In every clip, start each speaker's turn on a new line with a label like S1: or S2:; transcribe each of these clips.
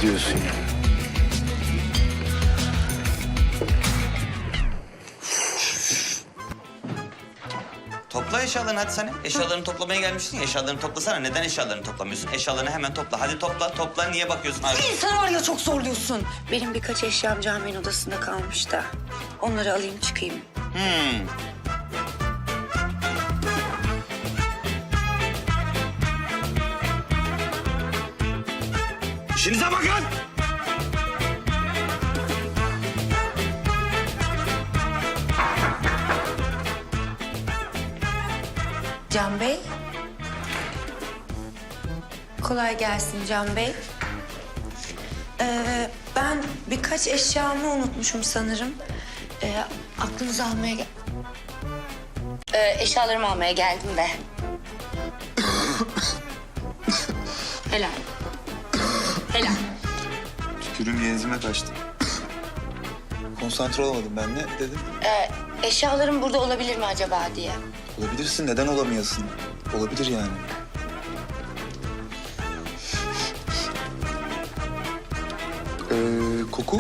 S1: diyorsun ya?
S2: Topla eşyalarını hadi sen. Eşyalarını toplamaya gelmiştin ya. Eşyalarını toplasana. Neden eşyalarını toplamıyorsun? Eşyalarını hemen topla. Hadi topla, topla. Niye bakıyorsun? Hadi.
S3: Sen var ya çok zorluyorsun. Benim birkaç eşyam caminin odasında kalmış da. Onları alayım çıkayım.
S2: İşinize bakın!
S3: Can Bey. Kolay gelsin Can Bey. Ben birkaç eşyamı unutmuşum sanırım. Aklınızı almaya eşyalarımı almaya geldim de. Helal. Helal.
S4: Tükürüğüm genzime kaçtı. Konsantre olamadım ben. Ne dedim?
S3: Eşyalarım burada olabilir mi acaba diye.
S4: Olabilirsin. Neden olamayasın? Olabilir yani. Koku?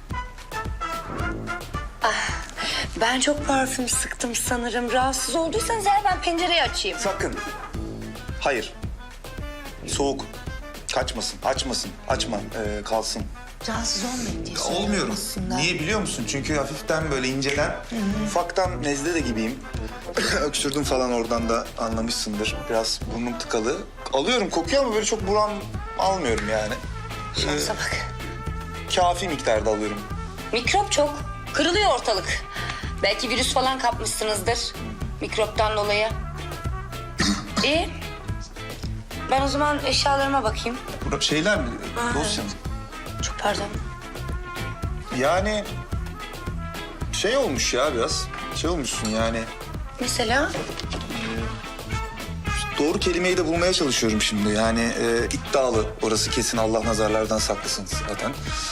S3: Ben çok parfüm sıktım sanırım. Rahatsız olduysanız eğer ben pencereyi açayım.
S4: Sakın. Hayır. Soğuk. Kaçmasın, açmasın. Açma, kalsın.
S3: Rahatsız olmayın diye söylüyorum
S4: Olmuyorum.
S3: aslında.
S4: Niye biliyor musun? Çünkü hafiften böyle inceden, ufaktan nezle de gibiyim. Öksürdüm falan, oradan da anlamışsındır. Biraz burnum tıkalı. Alıyorum, kokuyor ama böyle çok buram almıyorum yani.
S3: Şansa bak.
S4: Kafi miktarda alıyorum.
S3: Mikrop çok. Kırılıyor ortalık. Belki virüs falan kapmışsınızdır. Mikroptan dolayı. İyi. Ben o zaman eşyalarıma bakayım.
S4: Şeyler mi? Dosya mı?
S3: Çok pardon.
S4: Yani şey olmuş ya biraz. Şey olmuşsun yani.
S3: Mesela?
S4: Doğru kelimeyi de bulmaya çalışıyorum şimdi. Yani iddialı. Orası kesin, Allah nazarlardan saklasın zaten.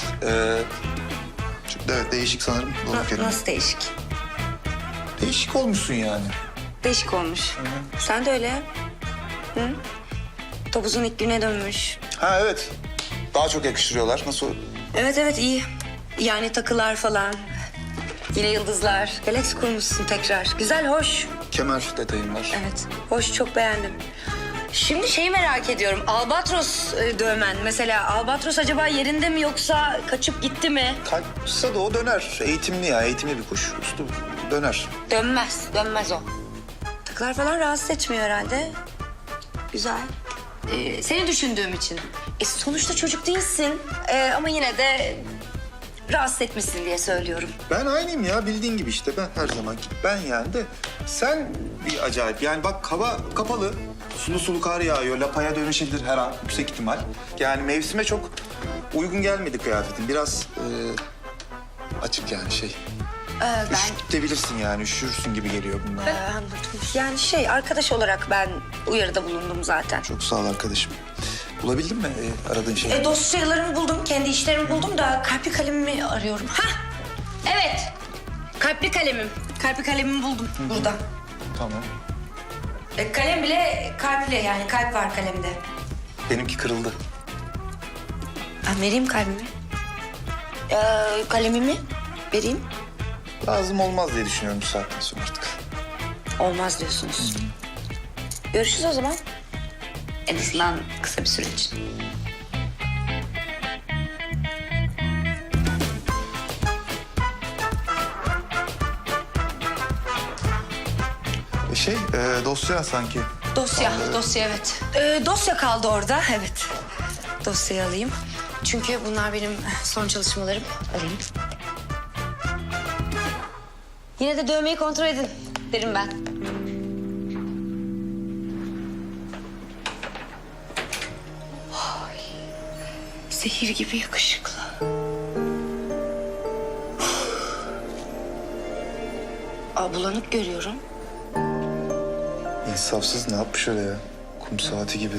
S4: Evet, değişik sanırım. Doğru kelime.
S3: Nasıl değişik?
S4: Değişik olmuşsun yani.
S3: Değişik olmuş. Sen de öyle. Hı? Topuzun ilk güne dönmüş.
S4: Ha evet. Daha çok yakıştırıyorlar. Nasıl?
S3: Evet iyi. Yani takılar falan. Yine yıldızlar. Galaksi kurmuşsun tekrar. Güzel, hoş.
S4: Kemer detayım var.
S3: Evet, hoş. Çok beğendim. Şimdi şeyi merak ediyorum. Albatros dövmen. Mesela Albatros acaba yerinde mi yoksa kaçıp gitti mi?
S4: Kaçsa da o döner. Eğitimli ya. Eğitimli bir kuş. Üstü döner.
S3: Dönmez o. Takılar falan rahatsız etmiyor herhalde. Güzel. Seni düşündüğüm için. Sonuçta çocuk değilsin. Ama yine de rahatsız etmişsin diye söylüyorum.
S4: Ben aynıyım ya, bildiğin gibi işte. Ben her zamanki ben yani de. Sen bir acayip. Yani bak, hava kapalı. Sulu sulu kar yağıyor. Lapaya dönüşebilir her an, yüksek ihtimal. Yani mevsime çok uygun gelmedi kıyafetin. Biraz açık yani şey.
S3: Ben
S4: Üşütebilirsin yani. Üşürsün gibi geliyor bunlar.
S3: anladım. Yani arkadaş olarak ben uyarıda bulundum zaten.
S4: Çok sağ ol arkadaşım. Bulabildin mi aradığın şeyi?
S3: Dosyalarımı buldum, kendi işlerimi buldum da kalpli kalemimi arıyorum. Evet. Kalpli kalemim. Kalpli kalemimi buldum burada.
S4: Tamam.
S3: Kalem bile kalpli, yani kalp var kalemde.
S4: Benimki kırıldı.
S3: Vereyim kalbimi. Kalemimi vereyim.
S4: Lazım olmaz diye düşünüyorum bu saatten sonra artık.
S3: Olmaz diyorsunuz. Görüşürüz o zaman. En azından kısa bir süre için.
S4: Dosya sanki.
S3: Dosya evet. Dosya kaldı orada, evet. Dosyayı alayım. Çünkü bunlar benim son çalışmalarım. Alayım. Yine de dövmeyi kontrol edin derim ben. Ay, zehir gibi yakışıklı. Bulanık görüyorum.
S4: İnsafsız, ne yapmış öyle ya? Kum saati gibi.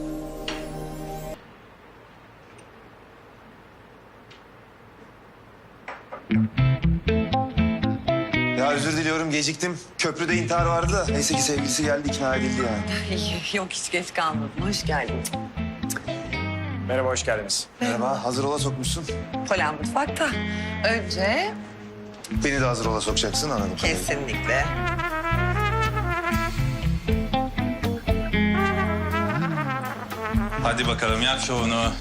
S4: Ya özür diliyorum, geciktim. Köprüde intihar vardı da. Neyse ki sevgilisi geldi, ikna edildi yani.
S5: Yok hiç geç kalmadın. Hoş geldin.
S1: Merhaba, hoş geldiniz.
S4: Merhaba, hazır ola sokmuşsun.
S5: Polen mutfakta. Önce
S4: Beni de hazır ola sokacaksın anladım.
S5: kesinlikle.
S6: Hadi bakalım yap şovunu.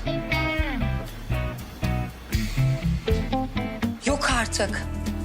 S3: Yok artık.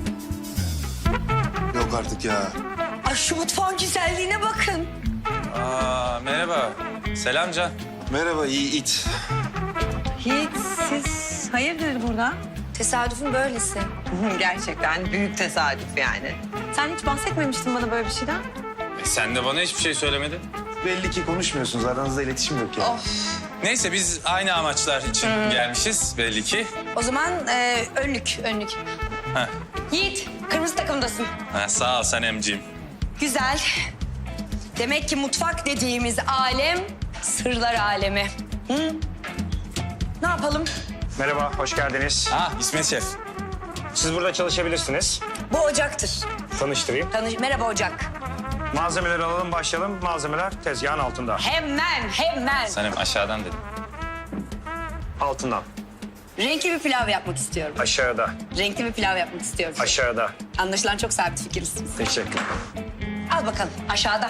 S4: Yok artık ya.
S3: Ay şu mutfağın güzelliğine bakın.
S6: Aa, merhaba. Selam Can.
S4: Merhaba, iyi it.
S5: Hiç siz hayırdır burada?
S3: Tesadüfün böylesi.
S5: Gerçekten büyük tesadüf yani. Sen hiç bahsetmemiştin bana böyle bir şeyden.
S6: Sen de bana hiçbir şey söylemedin.
S4: Belli ki konuşmuyorsunuz, aranızda iletişim yok yani.
S6: Neyse biz aynı amaçlar için gelmişiz belli ki.
S3: O zaman önlük.
S6: Heh.
S3: Yiğit, kırmızı takımdasın.
S6: Ha, sağ ol Sanemciğim.
S3: Güzel. Demek ki mutfak dediğimiz alem sırlar alemi. Hı? Ne yapalım?
S1: Merhaba, hoş geldiniz.
S6: Ah İsmet Şef.
S1: Siz burada çalışabilirsiniz.
S3: Bu ocaktır.
S1: Tanıştırayım.
S3: Merhaba ocak.
S1: Malzemeleri alalım, başlayalım. Malzemeler tezgahın altında.
S3: Hemen.
S6: Sanem aşağıdan dedim.
S1: Altından.
S3: Renkli bir pilav yapmak istiyorum.
S1: Aşağıda.
S3: Renkli bir pilav yapmak istiyorum.
S1: Aşağıda.
S3: Anlaşılan çok sabit fikirsiniz.
S1: Teşekkür.
S3: Al bakalım aşağıda.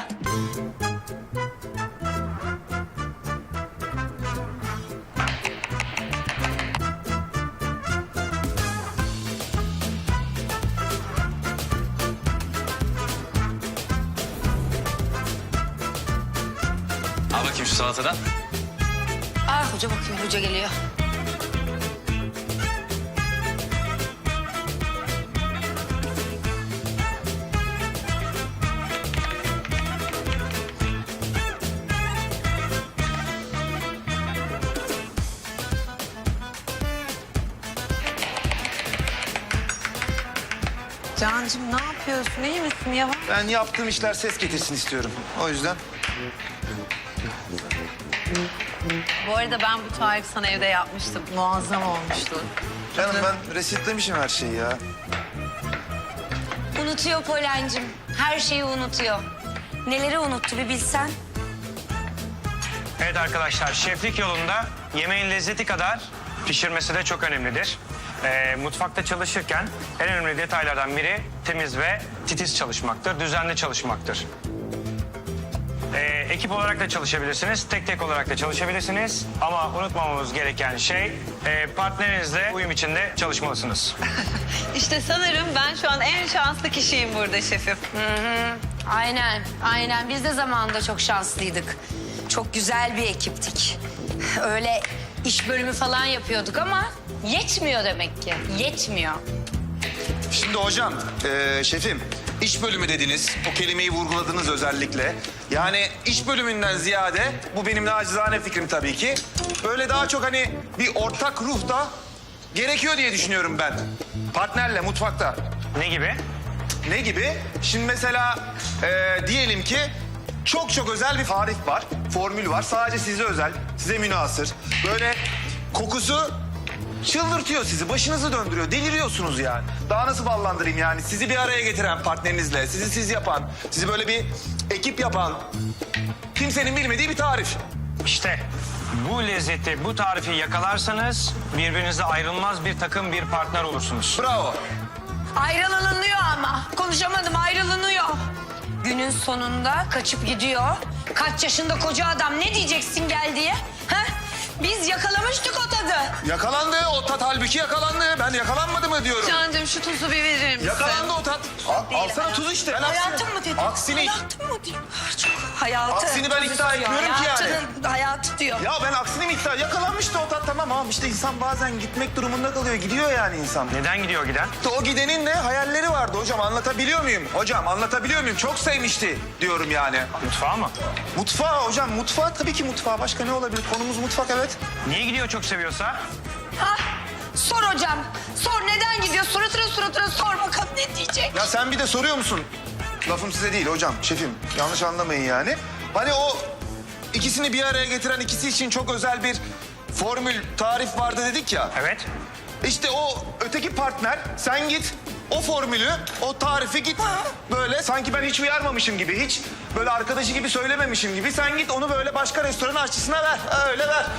S6: Al bakayım şu salatadan.
S3: Ah hoca bakıyor, hoca geliyor.
S5: Cancığım ne yapıyorsun? İyi misin ya?
S4: Ben yaptığım işler ses getirsin istiyorum. O yüzden
S5: Bu arada ben bu tarifi sana evde yapmıştım. Muazzam olmuştu.
S4: canım ben resitlemişim her şeyi ya.
S3: Unutuyor Polen'cim. Her şeyi unutuyor. Neleri unuttu bir bilsen.
S1: Evet arkadaşlar, şeflik yolunda yemeğin lezzeti kadar pişirmesi de çok önemlidir. Mutfakta çalışırken en önemli detaylardan biri temiz ve titiz çalışmaktır, düzenli çalışmaktır. Ekip olarak da çalışabilirsiniz, tek olarak da çalışabilirsiniz. Ama unutmamamız gereken şey partnerinizle uyum içinde çalışmalısınız.
S5: İşte sanırım ben şu an en şanslı kişiyim burada şefim.
S3: Aynen. Biz de zamanında çok şanslıydık. Çok güzel bir ekiptik. Öyle iş bölümü falan yapıyorduk ama yetmiyor demek ki. Yetmiyor.
S4: Şimdi hocam, şefim, iş bölümü dediniz. O kelimeyi vurguladınız özellikle. Yani iş bölümünden ziyade, bu benim nacizane fikrim tabii ki. Böyle daha çok hani bir ortak ruh da gerekiyor diye düşünüyorum ben. Partnerle mutfakta.
S1: Ne gibi?
S4: Ne gibi? Şimdi mesela diyelim ki çok özel bir tarif var, formül var. Sadece size özel, size münhasır. Böyle kokusu çıldırtıyor sizi, başınızı döndürüyor. Deliriyorsunuz yani. Daha nasıl ballandırayım yani? Sizi bir araya getiren partnerinizle, sizi siz yapan, sizi böyle bir ekip yapan, kimsenin bilmediği bir tarif.
S1: İşte bu lezzeti, bu tarifi yakalarsanız birbirinizle ayrılmaz bir takım, bir partner olursunuz.
S4: Bravo.
S3: Ayrılınıyor ama. Konuşamadım, ayrılınıyor. Günün sonunda kaçıp gidiyor. Kaç yaşında koca adam, ne diyeceksin gel diye? Ha? Biz yakalamıştık o tadı.
S4: Yakalandı, o tat halbuki yakalandı. Ben yakalanmadı mı diyorum.
S5: Cancığım şu tuzu bir verir misin?
S4: Yakalandı o tat. Alsana tuz işte. Ben
S3: Hayatım mı dedim?
S4: Aksini.
S3: Hayatım mı diyor? Çok hayatı.
S4: Aksini ben iddia etmiyorum ki yani.
S3: Hayatı diyor.
S4: Ya ben aksini mi iddia? Yakalanmıştı o tat tamam ama işte insan bazen gitmek durumunda kalıyor. Gidiyor yani insan.
S1: Neden gidiyor giden?
S4: İşte o gidenin de hayalleri vardı hocam. Anlatabiliyor muyum? Hocam anlatabiliyor muyum? Çok sevmişti diyorum yani.
S1: Mutfağa mı?
S4: Mutfağı hocam. Mutfağı tabii ki mutfağı. Başka ne olabilir? Konumuz mutfak evet.
S1: Niye gidiyor çok seviyorsa?
S3: Ha? Sor hocam. Sor neden gidiyor? Suratına sor bakalım ne diyecek?
S4: Ya sen bir de soruyor musun? Lafım size değil hocam, şefim. Yanlış anlamayın yani. Hani o ikisini bir araya getiren, ikisi için çok özel bir formül, tarif vardı dedik ya.
S1: Evet.
S4: İşte o öteki partner, sen git o formülü, o tarifi git böyle sanki ben hiç uyarmamışım gibi, hiç böyle arkadaşı gibi söylememişim gibi. Sen git onu böyle başka restoran aşçısına ver, öyle ver.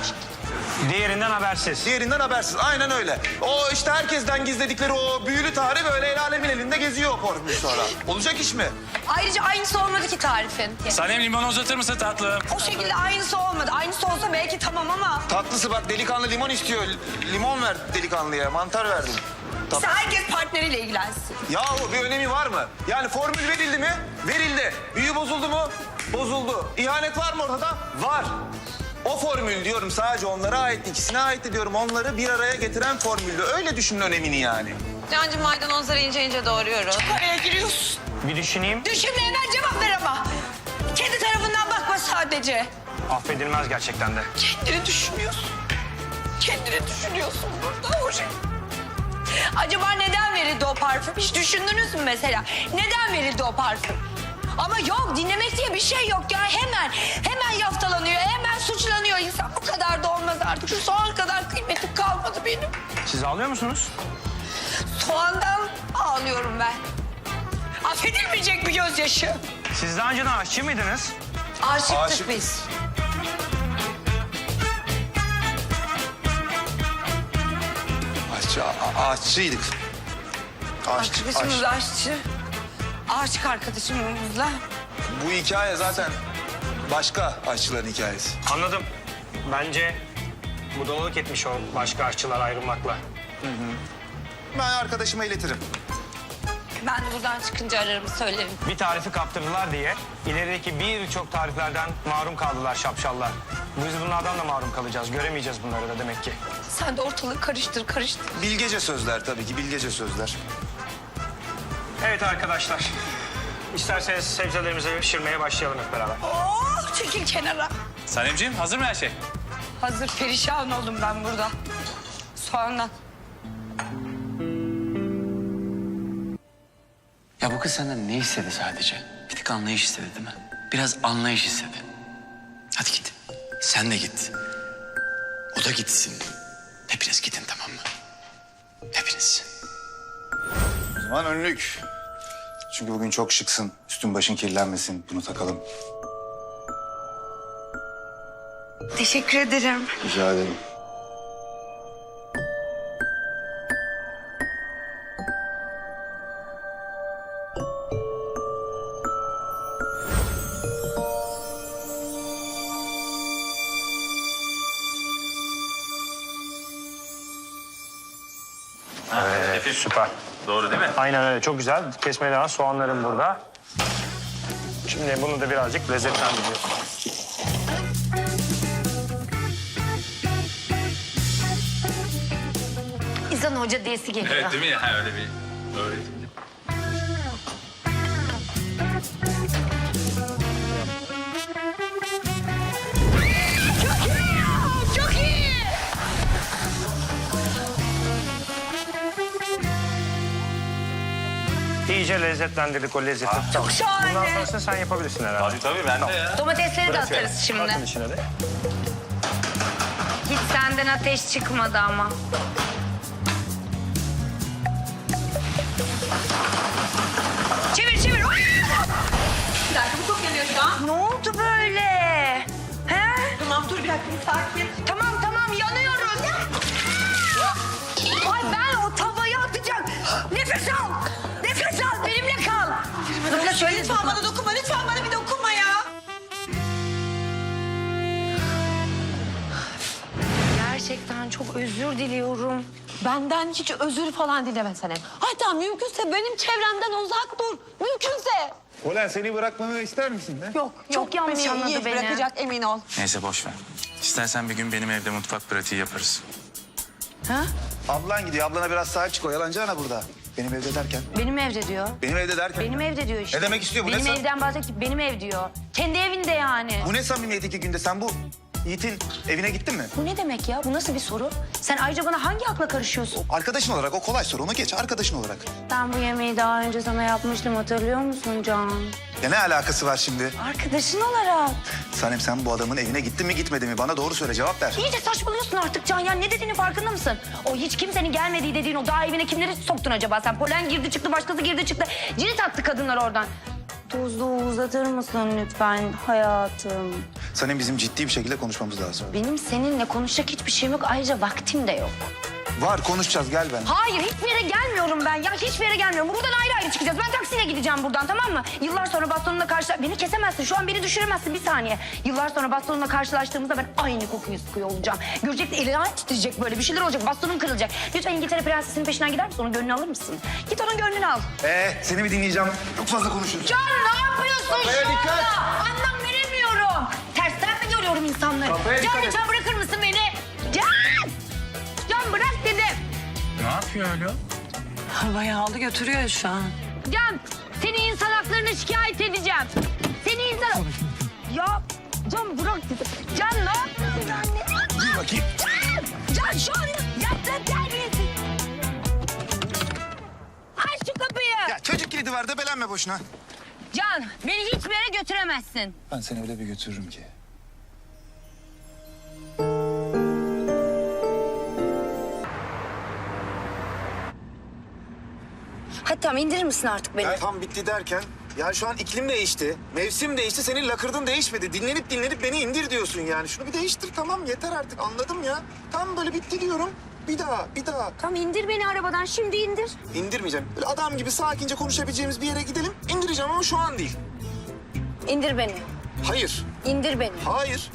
S1: Diğerinden habersiz.
S4: Diğerinden habersiz. Aynen öyle. O işte herkesten gizledikleri o büyülü tarih böyle el alemin elinde geziyor o formül sonra. Olacak iş mi?
S3: Ayrıca aynısı olmadı ki tarifin.
S6: Sanem limonu uzatır mısın tatlım?
S3: O şekilde aynısı olmadı. Aynısı olsa belki tamam ama...
S4: Tatlısı bak delikanlı limon istiyor. Limon ver delikanlıya. Mantar verdim.
S3: İşte herkes partneriyle ilgilensin.
S4: Yahu bir önemi var mı? Yani formül verildi mi? Verildi. Büyü bozuldu mu? Bozuldu. İhanet var mı ortada? Var. O formül diyorum sadece onlara ait, ikisine ait diyorum. Onları bir araya getiren formüldü. Öyle düşünün önemini yani.
S5: Cancığım maydanozları ince ince doğruyoruz.
S3: Araya giriyorsun.
S1: Bir düşüneyim.
S3: Düşünme hemen cevap ver ama. Kendi tarafından bakma sadece.
S1: Affedilmez gerçekten de.
S3: Kendini düşünüyorsun. Kendini düşünüyorsun burada o şey. Acaba neden verildi o parfüm? Hiç düşündünüz mü mesela? Neden verildi o parfüm? Ama yok, dinlemek diye bir şey yok ya. Hemen yaftalanıyor, hemen suçlanıyor insan. Bu kadar da olmaz artık. Şu soğan kadar kıymetim kalmadı benim.
S1: Siz ağlıyor musunuz?
S3: Soğandan ağlıyorum ben. Affedilmeyecek bir gözyaşı.
S1: Siz daha önceden aşçı mıydınız?
S3: Aşıktık
S4: Aşık.
S3: biz.
S4: Aşçıydık.
S3: Arkadaşımız aşçı. Aşık arkadaşımızla.
S4: Bu hikaye zaten başka aşçıların hikayesi.
S1: Anladım. Bence budalalık etmiş o başka aşçılar ayrılmakla.
S4: Ben arkadaşıma iletirim.
S3: Ben de buradan çıkınca ararım söylerim.
S1: Bir tarifi kaptırdılar diye ilerideki birçok tariflerden mahrum kaldılar şapşallar. Biz bunlardan da mahrum kalacağız. Göremeyeceğiz bunları da demek ki.
S3: Sen de ortalığı karıştır.
S4: Bilgece sözler tabii ki, bilgece sözler.
S1: Evet arkadaşlar. İsterseniz sebzelerimizi pişirmeye başlayalım hep beraber.
S3: Oh, çekil kenara.
S6: Sanemciğim hazır mı her şey?
S3: Hazır perişan oldum ben burada. Soğandan.
S7: Ya bu kız senden ne istedi sadece? Bir tık anlayış istedi değil mi? Biraz anlayış istedi. Hadi git. Sen de git. O da gitsin. Hepiniz gidin tamam mı? Hepiniz.
S4: O zaman önlük. Çünkü bugün çok şıksın. Üstün başın kirlenmesin. Bunu takalım.
S3: Teşekkür ederim.
S4: Rica ederim.
S1: Evet, süper.
S6: Doğru değil mi?
S1: Aynen öyle. Çok güzel. Kesmeye devam. Soğanlarım burada. Şimdi bunu da birazcık lezzetlendiriyoruz.
S3: İnsan hoca diyesi geliyor.
S6: Evet değil mi ya? Öyle bir öğretim.
S3: Çok iyi.
S1: İyice lezzetlendirdik o lezzeti.
S3: Çok şahane.
S1: Bundan sonrasını sen yapabilirsin herhalde.
S6: Tabii ben de ya.
S3: Domatesleri de atarız şimdi.
S1: Atın içine de.
S3: Hiç senden ateş çıkmadı ama. Çevir. Bir dakika bu çok yanıyor şu an. Ne oldu böyle? He?
S5: Tamam dur bir dakika bir sakin.
S3: Tamam yanıyoruz. Ay ben o tavayı atacağım. Nefes al benimle kal. Lütfen söyle.
S5: Lütfen bana dokunma lütfen bana bir dokunma ya.
S3: Gerçekten çok özür diliyorum.
S5: Benden hiç özür falan dileme Sanem. Hatta mümkünse benim çevremden uzak dur. Mümkünse.
S4: Ulan seni bırakmamı ister misin be?
S5: Yok
S3: Çok yanlış
S5: beni
S3: anladı
S5: iyi
S3: beni.
S5: bırakacak emin ol.
S6: Neyse boş ver. İstersen bir gün benim evde mutfak pratiği yaparız.
S4: Ablan gidiyor. Ablana biraz sahip çık. O yalancı ana burada. Benim evde derken.
S3: Benim evde diyor.
S4: Benim evde derken.
S3: Benim evde diyor işte.
S4: Ne demek istiyor bu?
S3: Benim
S4: Ne
S3: evden bahsediyor. Benim ev diyor. Kendi evinde yani.
S4: Bu ne samimiyet 2 günde? Sen bu Yiğit'in evine gittin mi?
S3: Bu ne demek ya? Bu nasıl bir soru? Sen ayrıca bana hangi akla karışıyorsun?
S4: Arkadaşın olarak o kolay soru. Onu geç arkadaşın olarak.
S3: Ben bu yemeği daha önce sana yapmıştım. Hatırlıyor musun Can?
S4: Ya ne alakası var şimdi?
S3: Arkadaşın olarak.
S4: Sanem sen bu adamın evine gittin mi gitmedin mi? Bana doğru söyle cevap ver.
S3: İyice saçmalıyorsun artık Can ya. Ne dediğinin farkında mısın? O hiç kimsenin gelmediği dediğin o dağ evine kimleri soktun acaba sen? Polen girdi çıktı, başkası girdi çıktı. Cirit attı kadınlar oradan. Tuzlu uzatır mısın lütfen hayatım?
S4: Sanem bizim ciddi bir şekilde konuşmamız lazım.
S5: Benim seninle konuşacak hiçbir şeyim yok. Ayrıca vaktim de yok.
S4: Var konuşacağız gel ben.
S5: Hayır, hiçbir yere gelmiyorum ben ya. Hiçbir yere gelmiyorum. Buradan ayrı ayrı çıkacağız. Ben taksiyle gideceğim buradan, tamam mı? Yıllar sonra bastonunla Beni kesemezsin. Şu an beni düşüremezsin, bir saniye. Yıllar sonra bastonunla karşılaştığımızda ben aynı kokuyu sıkıyor olacağım. Görecek de elini titreyecek böyle. Bir şeyler olacak. Bastonum kırılacak. Lütfen İngiltere prensesinin peşinden gider misin? Onun gönlünü alır mısın? Git onun gönlünü al.
S4: Seni bir dinleyeceğim. Çok fazla konuşuruz.
S5: Can ne yapıyorsun
S4: Kafaya
S5: şu
S4: dikkat.
S5: anda? Anlam veremiyorum. Tersten mi görüyorum insanları?
S4: Kafaya
S5: Can
S4: dikkat et.
S5: lütfen bırakır mısın beni? Can! Can bırak dedim.
S6: Ne yapıyor öyle?
S5: Havayı aldı götürüyor şu an. Can, seni insan haklarına şikayet edeceğim. Seni insan... Ya Can bırak dedim. Can ne yapıyorsun anne?
S4: Dur bakayım.
S5: Can şu anda yaptığın terbiyesiz. Aç şu kapıyı.
S4: Ya çocuk kilidi var debelenme boşuna.
S5: Can beni hiçbir yere götüremezsin.
S4: Ben seni öyle bir götürürüm ki.
S3: Hadi tamam indirir misin artık beni?
S4: Ya tam bitti derken ya şu an iklim değişti. Mevsim değişti. Senin lakırdın değişmedi. Dinlenip beni indir diyorsun yani. Şunu bir değiştir tamam yeter artık anladım ya. Tam böyle bitti diyorum. Bir daha.
S3: Tamam indir beni arabadan şimdi indir.
S4: İndirmeyeceğim. Böyle adam gibi sakince konuşabileceğimiz bir yere gidelim. İndireceğim ama şu an değil.
S3: İndir beni.
S4: Hayır.
S3: İndir beni.
S4: Hayır.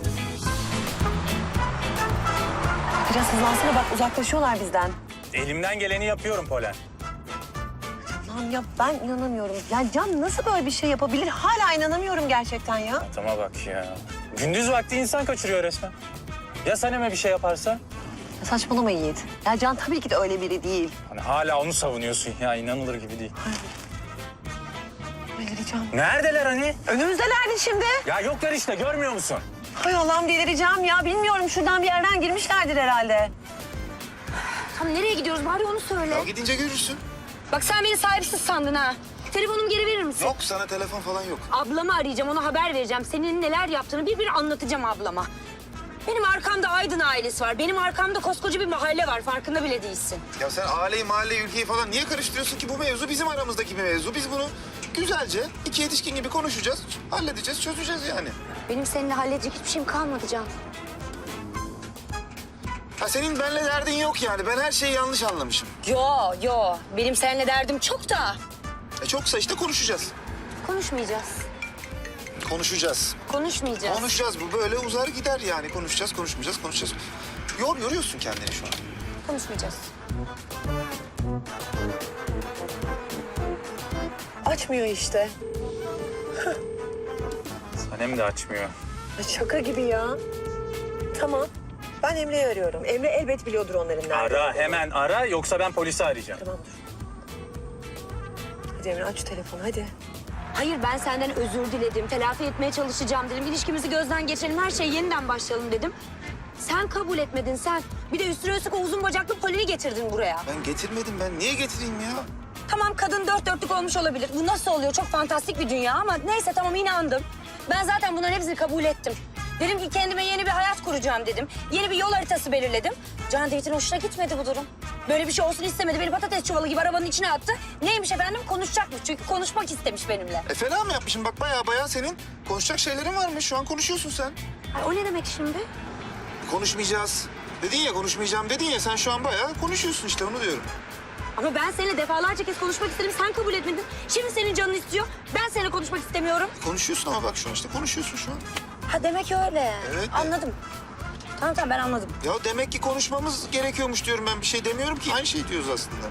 S5: Biraz hızlansana bak uzaklaşıyorlar bizden.
S6: Elimden geleni yapıyorum Polen.
S5: Lan ya ben inanamıyorum. Ya Can nasıl böyle bir şey yapabilir? Hala inanamıyorum gerçekten ya.
S6: Adama bak ya. Gündüz vakti insan kaçırıyor resmen. Ya Sanem'e bir şey yaparsa?
S5: Ya saçmalama Yiğit. Ya Can tabii ki de öyle biri değil.
S6: Hani hala onu savunuyorsun ya, inanılır gibi değil.
S5: Delireceğim.
S6: Neredeler hani?
S5: Önümüzdelerdi şimdi.
S6: Ya yoklar işte, görmüyor musun?
S5: Hay Allah'ım delireceğim ya. Bilmiyorum şuradan bir yerden girmişlerdir herhalde.
S3: Tam nereye gidiyoruz bari onu söyle.
S4: Ya gidince görürsün.
S3: Bak sen beni sahipsiz sandın ha. Telefonumu geri verir misin?
S4: Yok sana telefon falan yok.
S3: Ablamı arayacağım, ona haber vereceğim. Senin neler yaptığını bir anlatacağım ablama. Benim arkamda Aydın ailesi var. Benim arkamda koskoca bir mahalle var. Farkında bile değilsin.
S4: Ya sen aileyi, mahalleyi, ülkeyi falan niye karıştırıyorsun ki? Bu mevzu bizim aramızdaki bir mevzu. Biz bunu güzelce iki yetişkin gibi konuşacağız, halledeceğiz, çözeceğiz yani.
S3: Benim seninle halledecek hiçbir şeyim kalmadı Can.
S4: Ha senin benimle derdin yok yani. Ben her şeyi yanlış anlamışım.
S3: Yo. Benim seninle derdim çok da.
S4: Çoksa işte konuşacağız.
S3: Konuşmayacağız.
S4: Konuşacağız.
S3: Konuşmayacağız.
S4: Konuşacağız. Bu böyle uzar gider yani. Konuşacağız, konuşacağız. Yoruyorsun kendini şu an.
S3: Konuşmayacağız.
S5: Açmıyor işte.
S6: Sanem de açmıyor.
S5: Şaka gibi ya. Tamam. Ben Emre'yi arıyorum. Emre elbet biliyordur onların nerede.
S6: Ara, hemen ara, yoksa ben polisi arayacağım.
S5: Tamam dur. Hadi Emre aç şu telefonu hadi.
S3: Hayır ben senden özür diledim. Telafi etmeye çalışacağım dedim. İlişkimizi gözden geçirelim. Her şeye yeniden başlayalım dedim. Sen kabul etmedin sen. Bir de üstüne üstlük o uzun bacaklı Poli'yi getirdin buraya.
S4: Ben getirmedim. Ben niye getireyim ya?
S3: Tamam kadın dört dörtlük olmuş olabilir. Bu nasıl oluyor? Çok fantastik bir dünya ama neyse tamam inandım. Ben zaten bunların hepsini kabul ettim. Dedim ki kendime yeni bir hayat kuracağım dedim. Yeni bir yol haritası belirledim. Can David'in hoşuna gitmedi bu durum. Böyle bir şey olsun istemedi. Beni patates çuvalı gibi arabanın içine attı. Neymiş efendim? Konuşacakmış. Çünkü konuşmak istemiş benimle.
S4: Fena mı yapmışım? Bak baya senin konuşacak şeylerin varmış. Şu an konuşuyorsun sen.
S3: Ay, o ne demek şimdi?
S4: Konuşmayacağız. Dedin ya konuşmayacağım dedin ya. Sen şu an bayağı konuşuyorsun işte onu diyorum.
S3: Ama ben seninle defalarca kez konuşmak istedim. Sen kabul etmedin. Şimdi senin canın istiyor. Ben seninle konuşmak istemiyorum.
S4: Konuşuyorsun ama bak şu an işte konuşuyorsun şu an.
S3: Ha demek öyle.
S4: Evet.
S3: Anladım. Tamam ben anladım.
S4: Ya demek ki konuşmamız gerekiyormuş diyorum ben. Bir şey demiyorum ki. Aynı şey diyoruz aslında.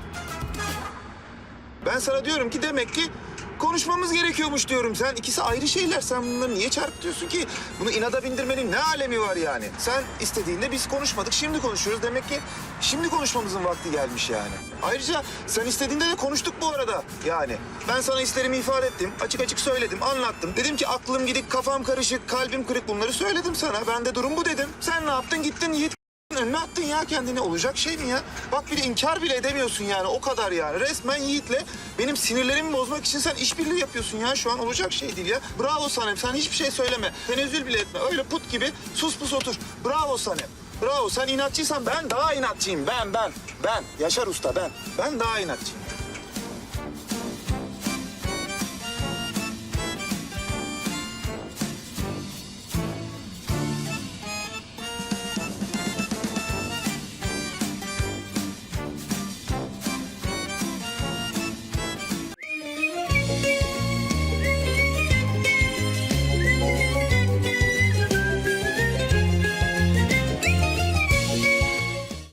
S4: Ben sana diyorum ki demek ki konuşmamız gerekiyormuş diyorum. Sen ikisi ayrı şeyler. Sen bunları niye çarpıtıyorsun ki? Bunu inada bindirmenin ne alemi var yani? Sen istediğinde biz konuşmadık. Şimdi konuşuyoruz. Demek ki şimdi konuşmamızın vakti gelmiş yani. Ayrıca sen istediğinde de konuştuk bu arada yani. Ben sana hislerimi ifade ettim. Açık açık söyledim, anlattım. Dedim ki aklım gidik, kafam karışık, kalbim kırık bunları söyledim sana. Ben de durum bu dedim. Sen ne yaptın? Gittin Yiğit önüne attın ya kendini. Olacak şey mi ya? Bak bir de inkar bile edemiyorsun yani. O kadar yani. Resmen Yiğit'le benim sinirlerimi bozmak için sen işbirliği yapıyorsun ya. Şu an olacak şey değil ya. Bravo Sanem. Sen hiçbir şey söyleme. Tenezzül bile etme. Öyle put gibi sus pus otur. Bravo Sanem. Bravo. Sen inatçıysan ben daha inatçıyım. Ben. Yaşar Usta ben. Ben daha inatçıyım.